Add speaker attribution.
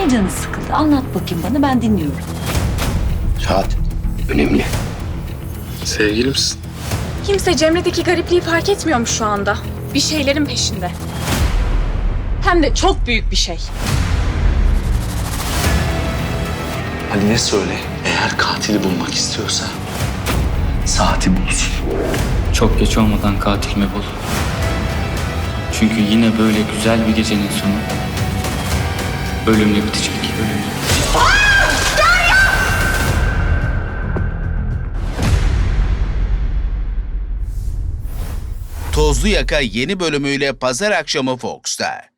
Speaker 1: Neden canı sıkıldı? Anlat bakayım bana, ben dinliyorum.
Speaker 2: Saat önemli.
Speaker 3: Sevgilimsin.
Speaker 4: Kimse Cemre'deki garipliği fark etmiyormuş şu anda. Bir şeylerin peşinde. Hem de çok büyük bir şey.
Speaker 3: Haline söyle, eğer katili bulmak istiyorsa saati bulsun.
Speaker 5: Çok geç olmadan katilimi bul. Çünkü yine böyle güzel bir gecenin sonu ölümle bitecek. Ölümle bitecek.
Speaker 6: Tozlu Yaka yeni bölümüyle pazar akşamı Fox'ta.